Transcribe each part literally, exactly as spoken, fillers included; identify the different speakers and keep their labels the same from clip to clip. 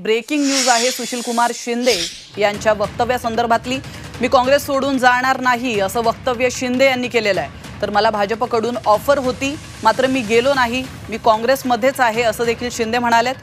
Speaker 1: Breaking news आहे सुशीलकुमार शिंदे यांच्या वक्तव्यासंदर्भातली। मी काँग्रेस सोडून जाणार नाही असं वक्तव्य शिंदे यांनी केलेलं आहे। तर मला भाजपकडून ऑफर होती मात्र मी गेलो नाही, मी काँग्रेसमध्येच आहे असं देखील शिंदे म्हणालेत।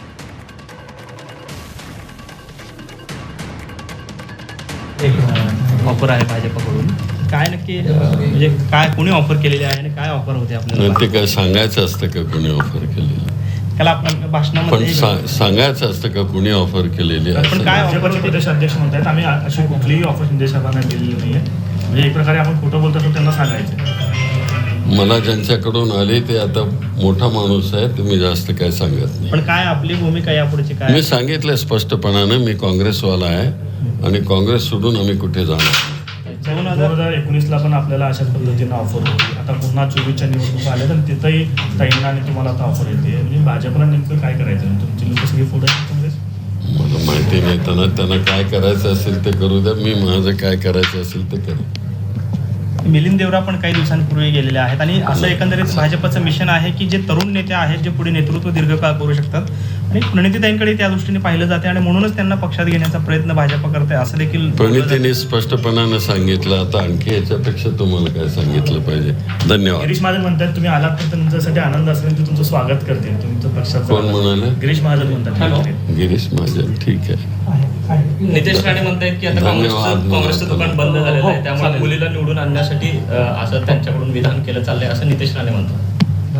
Speaker 2: एक ऑफर आहे भाजपकडून, काय नक्की म्हणजे काय कोणी ऑफर केलेली आहे आणि काय ऑफर होते आपल्याला?
Speaker 3: ते काय सांगायचं असतं का कोणी ऑफर केलेली?
Speaker 2: त्याला आपण भाषणामध्ये
Speaker 3: पण सांगायचं असतं का कोणी ऑफर केलेली आहे?
Speaker 2: पण काय
Speaker 4: भाजपचे प्रदेश अध्यक्ष म्हणतात आम्ही अशी कुठलीही ऑफर शिंदे साहेबांना दिलेली नाहीये, म्हणजे एक प्रकारे आपण खोटं बोलतो तर त्यांना सांगायचं।
Speaker 3: मला ज्यांच्याकडून आले ते आता मोठा माणूस आहे, ते मी जास्त काय सांगत नाही।
Speaker 2: पण काय आपली भूमिका यापुढची काय?
Speaker 3: मी सांगितलं स्पष्टपणाने, मी काँग्रेसवाला आहे आणि काँग्रेस सोडून आम्ही कुठे जाणार नाही।
Speaker 4: दोन हजार एकोणीसला पण आपल्याला अशाच पद्धतीनं ऑफर होती, आता पुन्हा चोवीसच्या निवडणुका आल्या तर तिथंही ताईंना आणि तुम्हाला आता ऑफर येते, म्हणजे भाजपला नेमकं काय करायचं? तुमची लोक सगळी पुढे काँग्रेस
Speaker 3: मला माहिती नाही, त्यांना त्यांना काय करायचं असेल ते करू द्या, मी माझं काय करायचं असेल ते करेन।
Speaker 2: मिलिंद देवरा पण काही दिवसांपूर्वी गेलेले आहेत आणि असं एकंदरीत भाजपचं मिशन आहे की जे तरुण नेते आहेत जे पुढे नेतृत्व दीर्घकाळ करू शकतात आणि प्रणितीताईंकडे त्या दृष्टीने पाहिलं जाते आणि म्हणूनच त्यांना पक्षात घेण्याचा प्रयत्न भाजप करते असं देखील
Speaker 3: प्रणितीने स्पष्टपणाने सांगितलं। आता आणखी याच्यापेक्षा तुम्हाला काय सांगितलं पाहिजे? धन्यवाद।
Speaker 4: गिरीश महाजन म्हणतात तुम्ही आलात तर तुमच्यासाठी आनंद असेल, ते तुमचं स्वागत करतील तुमचं पक्षात।
Speaker 3: कोण म्हणाले?
Speaker 4: गिरीश महाजन म्हणतात।
Speaker 3: गिरीश महाजन, ठीक आहे।
Speaker 5: नितेश राणे म्हणतायत की आता काँग्रेसचं काँग्रेसचं दुकान बंद झालेलं आहे, त्यामुळे मुलीला निवडून आणण्यासाठी असं त्यांच्याकडून विधान केलं चाललंय असं नितेश राणे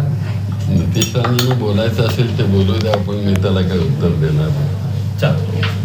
Speaker 5: म्हणतात।
Speaker 3: नितेश राणेंना बोलायचं असेल ते बोलू द्या, आपण मी त्याला काय उत्तर देणार?
Speaker 5: चालेल।